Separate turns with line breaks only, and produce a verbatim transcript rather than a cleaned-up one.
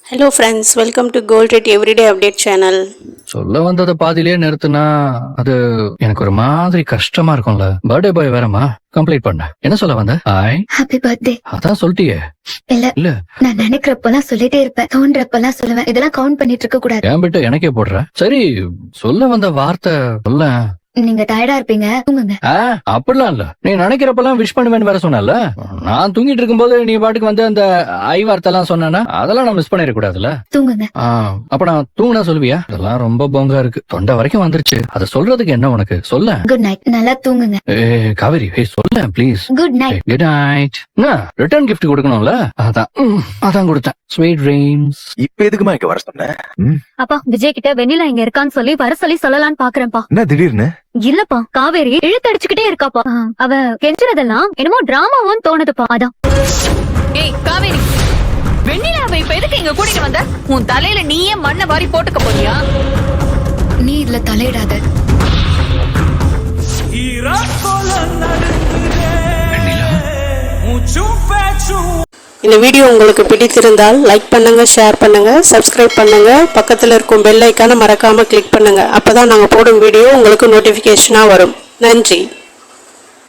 Hello friends, welcome to Gold Rate Everyday Update channel.
சொல்ல வந்தத பாதியிலே நிறுத்தினா அது எனக்கு ஒரு மாதிரி கஷ்டமா இருக்கும்ல. பர்த்டே பாய் வேறமா கம்ப்ளீட் பண்ண என்ன சொல்ல வந்த? Hi
happy birthday.
அதான் சொல்லிட்டியே.
இல்ல
இல்ல
நான் நினைக்கிறப்பெல்லாம் சொல்லிட்டே இருப்பேன், தோன்றப்பெல்லாம் சொல்லுவேன். இதெல்லாம் கவுண்ட் பண்ணிட்டு இருக்க கூடாது.
ஏன் விட்டு எனக்கே போடுற. சரி சொல்ல வந்த வார்த்தை சொல்ல.
நீங்க டயர்டா இருப்பீங்க, தூங்குங்க.
அப்படிலாம் இல்ல, நீ நினைக்கிறப்பெல்லாம் விஷ் பண்ணுவேன்னு வேற சொன்னல. நான் தூங்கிட்டு இருக்கும்போது நீ பாட்டுக்கு வந்து அந்த ஐ வார்த்தை எல்லாம் சொன்னா அதெல்லாம் நான் மிஸ் பண்ணிட கூடாதுல்ல.
தூங்குங்க.
அப்ப நான் தூங்கினா சொல்லுவியா? அதெல்லாம் ரொம்ப பொங்கா இருக்கு, தொண்டை வரைக்கும் வந்துருச்சு. அதை சொல்றதுக்கு என்ன உனக்கு? சொல்ல.
Good night. நல்லா தூங்குங்க.
ஏ காவேரி, ஏய் சொல்ல please.
Good night.
Good night. Return gift கொடுக்கணும்ல, அதான் அதான் கொடுத்தேன். Sweet dreams.
இப்ப எதுக்குமா இங்க வர சொன்ன?
அப்பா விஜய் கிட்ட வெண்ணிலா இங்க இருக்கான்னு சொல்லி வர சொல்லி சொல்லலான்னு பாக்குறேன்ப்பா.
என்ன திடீர்னு?
இல்லப்பா, காவேரி இழுத்தடிச்சுக்கிட்டே இருக்காப்பா. அவ கெஞ்சுறதெல்லாம் என்னமோ டிராமாவும் தோணுதுப்பா, அதான்.
ஏய் காவேரி, வெண்ணிலாவை இப்ப எதுக்கு இங்க கூட்டிட்டு வந்த? உன் தலையில நீயே மண்ணை வாரி போட்டுக்க போறியா?
நீ இதுல தலையிடாத.
இந்த வீடியோ உங்களுக்கு பிடித்திருந்தால் லைக் பண்ணுங்க, ஷேர் பண்ணுங்க, சப்ஸ்கிரைப் பண்ணுங்க, பக்கத்தில் இருக்கும் பெல் ஐக்கானை மறக்காம கிளிக் பண்ணுங்க. அப்பதான் நாங்க போடும் வீடியோ உங்களுக்கு நோட்டிபிகேஷனா வரும். நன்றி.